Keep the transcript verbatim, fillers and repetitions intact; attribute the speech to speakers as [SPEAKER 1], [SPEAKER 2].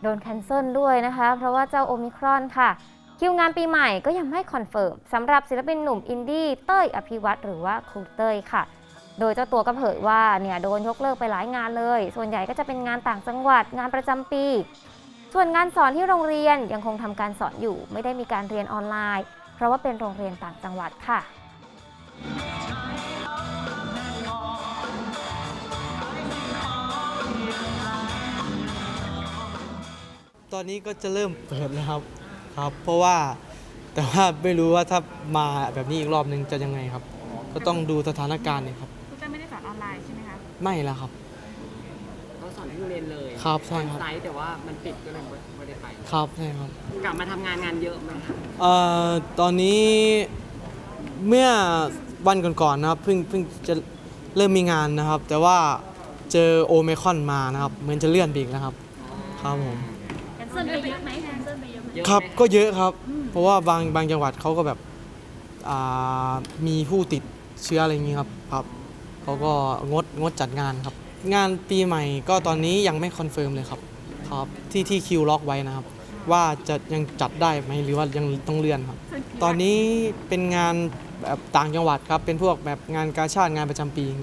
[SPEAKER 1] โดนแคนเซิลด้วยนะคะเพราะว่าเจ้าโอมิครอนค่ะคิวงานปีใหม่ก็ยังไม่คอนเฟิร์มสำหรับศิลปินหนุ่มอินดี้เต้ยอภิวัตรหรือว่าครูเต้ยค่ะโดยเจ้าตัวก็เผยว่าเนี่ยโดนยกเลิกไปหลายงานเลยส่วนใหญ่ก็จะเป็นงานต่างจังหวัดงานประจำปีส่วนงานสอนที่โรงเรียนยังคงทำการสอนอยู่ไม่ได้มีการเรียนออนไลน์เพราะว่าเป็นโรงเรียนต่างจังหวัดค่ะ
[SPEAKER 2] ตอนนี้ก็จะเริ่มเปิดแล้วครับครับ เพราะว่าแต่ว่าไม่รู้ว่าถ้ามาแบบนี้อีกรอบนึงจะยังไงครับ ก็ต้องดูสถานการณ์เนี่ยครับ
[SPEAKER 3] คุณเต้ยไม่ได้สอนออนไลน์ใช่ไหมคะ
[SPEAKER 2] ไม่แล้วครับ
[SPEAKER 4] เราสอนที่โรงเรียนเลย
[SPEAKER 2] ครับใช่ครับ
[SPEAKER 4] ไซต์แต่ว่ามันปิดก็เลยไม่ได้ไป
[SPEAKER 2] ครับใช่ครับ
[SPEAKER 4] กลับมาทำงานงานเยอะไหมครับ
[SPEAKER 2] เอ่อตอนนี้เมื่อวันก่อนๆนะครับเพิ่งเพิ่งจะเริ่มมีงานนะครับ แต่ว่าเจอโอไมครอนมานะครับเหมือนจะเลื่อนไปอีกแล้วครับครับผม
[SPEAKER 3] แคนเซิลไปเยอะไหมแคนเซิลไปเยอะไหม
[SPEAKER 2] ครับก็เยอะครับ เพราะว่าบางบางจังหวัดเขาก็แบบมีผู้ติดเชื้ออะไรอย่างนี้ครับครับเขาก็งดงดจัดงานครับงานปีใหม่ก็ตอนนี้ยังไม่คอนเฟิร์มเลยครับครับที่ที่คิวล็อกไว้นะครับว่าจะยังจัดได้ไหมหรือว่ายังต้องเลื่อนครับตอนนี้เป็นงานแบบต่างจังหวัดครับเป็นพวกแบบงานกาชาดงานประจำปี